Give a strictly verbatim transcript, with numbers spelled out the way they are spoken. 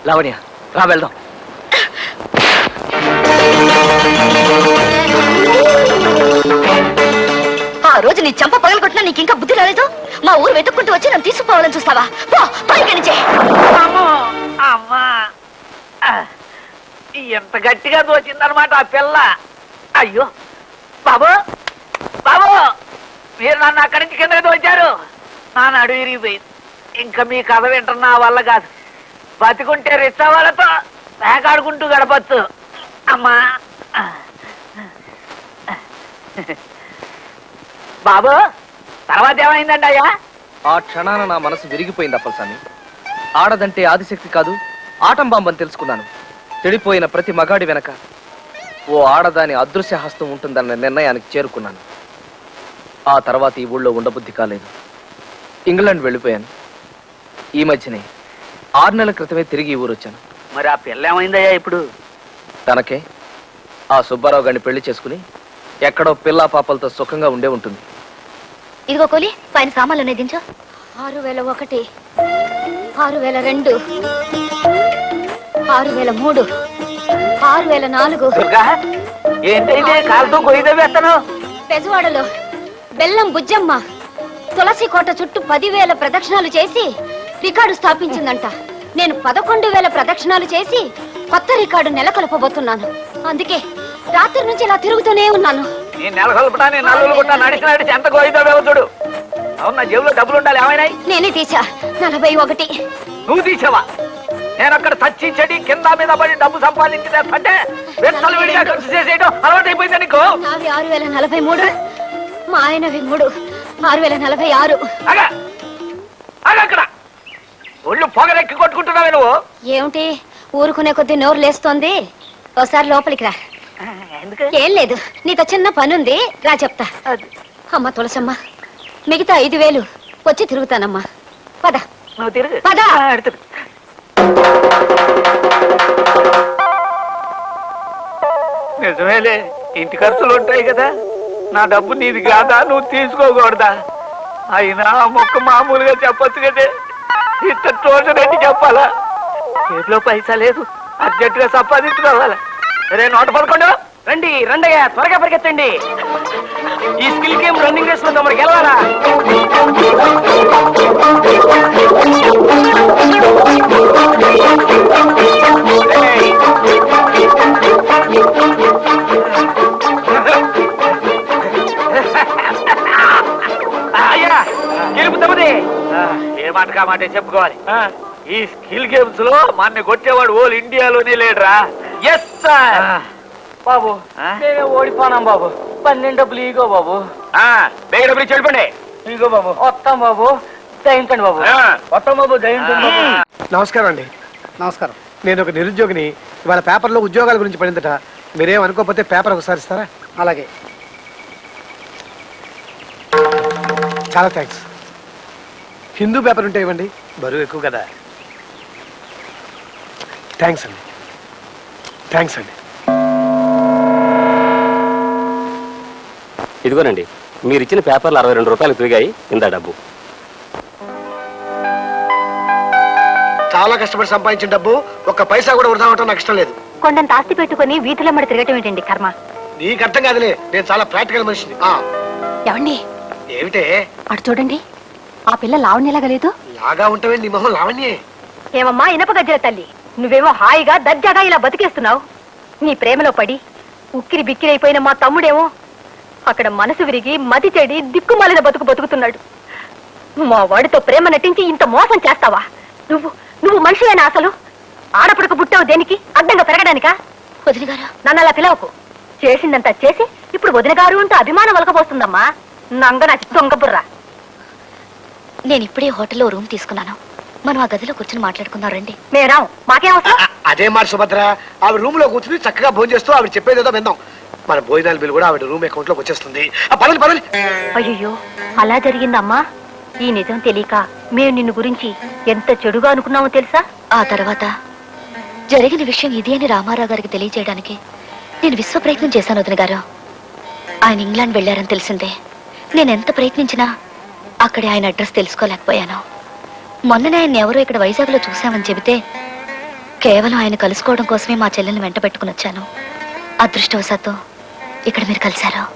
లావణ్య రా వెళ్దాం. ఆ రోజు నీ చంప పగలగొట్టినా నీకు ఇంకా బుద్ధి రాలేదు. మా ఊరు వెతుక్కుంటూ వచ్చి నన్ను తీసుకుపోవాలని చూస్తావా? పో పైకి. అమ్మా ఎంత గట్టిగా దోచిందనమాట ఆ పిల్ల. అయ్యో బాబు బాబు, మీరు నన్ను అక్కడి నుంచి కిందకి దోచారు. నా నడు విరిగిపోయింది. ఇంకా మీ కథ వింటున్నా వల్ల కాదు. బతికుంటే రిచ్చా వాళ్ళతో వేకాడుకుంటూ గడపచ్చు. అమ్మా బాబు, తర్వాత ఏమైందండి అయ్యా? ఆ క్షణాన నా మనసు విరిగిపోయింది అప్పలస్వామి. ఆడదంటే ఆదిశక్తి కాదు, ఆటం బాంబని తెలుసుకున్నాను. చెడిపోయిన ప్రతి మగాడి వెనక ఓ ఆడదాని అదృశ్య హస్తం ఉంటుందన్న నిర్ణయానికి చేరుకున్నాను. ఆ తర్వాత ఈ ఊళ్ళో ఉండబుద్ధి కాలేదు. ఇంగ్లాండ్ వెళ్ళిపోయాను. ఈ మధ్యనే ఆరు నెలల క్రితమే తిరిగి ఈ ఊరు వచ్చాను. మరి ఆ పిల్ల ఏమైందయ్యా ఇప్పుడు? తనకే ఆ సుబ్బారావు గారిని పెళ్లి చేసుకుని ఎక్కడో పిల్లా పాపలతో సుఖంగా ఉండే ఉంటుంది. ఇదిగో కోలి, పైన సామాన్లు అనేది దించు. ఆరు వేల ఒకటి, ఆరు వేల రెండు, ఆరు వేల మూడు, ఆరు వేల నాలుగు. కాలుతో గొయ్యి వేస్తాను. పెజవాడలో బెల్లం బుజ్జమ్మ తులసి కోట చుట్టూ పదివేల ప్రదక్షిణాలు చేసి రికార్డు స్థాపించిందంట. నేను పదకొండు వేల ప్రదక్షిణాలు చేసి కొత్త రికార్డు నెలకొల్పబోతున్నాను. అందుకే రాత్రి నుంచి ఇలా తిరుగుతూనే ఉన్నాను. అవునా, జేబులో డబ్బులు ఉండాలి. ఏమైనాయి? నేనే తీసా. నలభై ఒకటి. నువ్వు తీసావా? నేను అక్కడ చచ్చి చెడి కింద మీద పడి డబ్బు సంపాదించి తెస్తుంటే విడిగా ఖర్చు చేసేయడం అలవాటు అయిపోయింది నీకు. నావి ఆరు వేల నలభై మూడు, మా ఆయనవి మూడు, ఆరు వేల నలభై ఆరు. అక్కడ ఒళ్ళు పొగరెక్కి కొట్టుకుంటున్నావే నువ్వు. ఏమిటి ఊరుకునే కొద్ది నోరు లేస్తోంది? ఒకసారి లోపలికి రా. ఏం లేదు, నీతో చిన్న పనుంది, రా చెప్తా. అమ్మ తులసమ్మ, మిగతా ఐదు వేలు వచ్చి తిరుగుతానమ్మా. పద పద. నిజమేలే, ఇంటి ఖర్చులు ఉంటాయి కదా. నా డబ్బు నీది కాదా, నువ్వు తీసుకోకూడదా? అయినా మొక్క మామూలుగా చెప్పొచ్చు కదే, ఇంత తోటరెడ్డి చెప్పాలా? చేతిలో పైసా లేదు, అర్జెంటుగా సంపాదించుకోవాలా. రే నోట పడుకోండు. రండి రండయ్యా, త్వరగా పరిగెత్తండి. ఈ స్కిల్ గేమ్ రన్నింగ్ రేస్ లో తమరికి వెళ్ళారా? అయ్యా గెలుపుతామది. ఏ మాట కా మాట చెప్పుకోవాలి. ఈ స్కిల్ గేమ్స్ లో మన కొట్టేవాడు ఓల్ ఇండియాలోనే లేడరా. Yes sir. బాబు నేనే ఓడిపోనాం బాబు. పన్నెండు డబ్బులు ఈగో బాబు. బేగ డబ్బులు చెడిపోండి. ఈగో బాబు. వస్తాం బాబు, దయించండి బాబు. వస్తాం బాబు, దయించండి. నమస్కారం అండి. నమస్కారం. నేను ఒక నిరుద్యోగిని. ఇవాళ పేపర్లో ఉద్యోగాల గురించి పడిందట. మీరేం అనుకోకపోతే పేపర్ ఒకసారి ఇస్తారా? అలాగే, చాలా థ్యాంక్స్. హిందూ పేపర్ ఉంటే ఇవ్వండి, బరువు ఎక్కువ కదా. థ్యాంక్స్ అండి, థ్యాంక్స్ అండి. ఇదిగోనండి, మీరు ఇచ్చిన పేపర్లు అరవై రెండు రూపాయలు తిరిగాయి. ఇందా డబ్బు. చాలా కష్టపడి సంపాదించిన డబ్బు ఒక్క పైసా కూడా వృధా అవటం నాకు ఇష్టం లేదు. కొండంత ఆస్తి పెట్టుకుని వీధిలో మరి తిరగటం ఏంటండి కర్మ? నీకు అర్థం కాదులే, నేను చాలా ప్రాక్టికల్ మనిషిని. ఏమండి? ఏమిటే? అటు చూడండి, ఆ పిల్ల లావణ్యలాగా లేదు? లాగా ఉంటావే, నీ మొహం లావణ్యే. ఏమమ్మా ఇనప గజ్జల తల్లి, నువ్వేమో హాయిగా దర్జాగా ఇలా బతికేస్తున్నావు. నీ ప్రేమలో పడి ఉక్కిరి బిక్కిరి అయిపోయిన మా తమ్ముడేమో అక్కడ మనసు విరిగి మతి చెడి దిక్కుమాలిన బతుకు బతుకుతున్నాడు. మా వాడితో ప్రేమ నటించి ఇంత మోసం చేస్తావా? నువ్వు నువ్వు మనిషి అయినా అసలు ఆడపడక పుట్టావు దేనికి? అడ్డంగా పెరగడానికా? వదిన గారు నన్ను అలా పిలవకు. చేసిందంతా చేసి ఇప్పుడు వదిన గారు అంటూ అభిమానం వలకపోస్తుందమ్మా. నంగ నా దొంగబుర్రా. నేను ఇప్పుడే హోటల్లో రూమ్ తీసుకున్నాను, మనం ఆ గదిలో కూర్చొని మాట్లాడుకుందాం రండి. మేడం మాకేం అవసరం? అదే మాట సుభద్ర, ఆవిడ రూమ్ లో కూర్చుని చక్కగా భోజనం చేస్తూ ఆవిడ చెప్పేదేదో విందాం. మన భోజనాల బిల్ కూడా ఆవిడ రూమ్ అకౌంట్ లోకి వచ్చేస్తుంది. పదండి పదండి. అయ్యో అలా జరిగిందమ్మా. ఈ నిజం తెలియక మేము నిన్ను గురించి ఎంత చెడుగా అనుకున్నామో తెలుసా? ఆ తర్వాత జరిగిన విషయం ఇది అని రామారావు గారికి తెలియజేయడానికి నేను విశ్వ ప్రయత్నం చేశాను వదిన గారు. ఆయన ఇంగ్లాండ్ వెళ్ళారని తెలిసిందే. నేను ఎంత ప్రయత్నించినా అక్కడే ఆయన అడ్రస్ తెలుసుకోలేకపోయాను. మొన్ననే ఆయన ఎవరో ఇక్కడ వైజాగ్ లో చూసామని చెబితే కేవలం ఆయన కలుసుకోవడం కోసమే మా చెల్లెల్ని వెంట పెట్టుకుని వచ్చాను. అదృష్టవశాత్తు ఇక్కడ మీరు కలిశారు.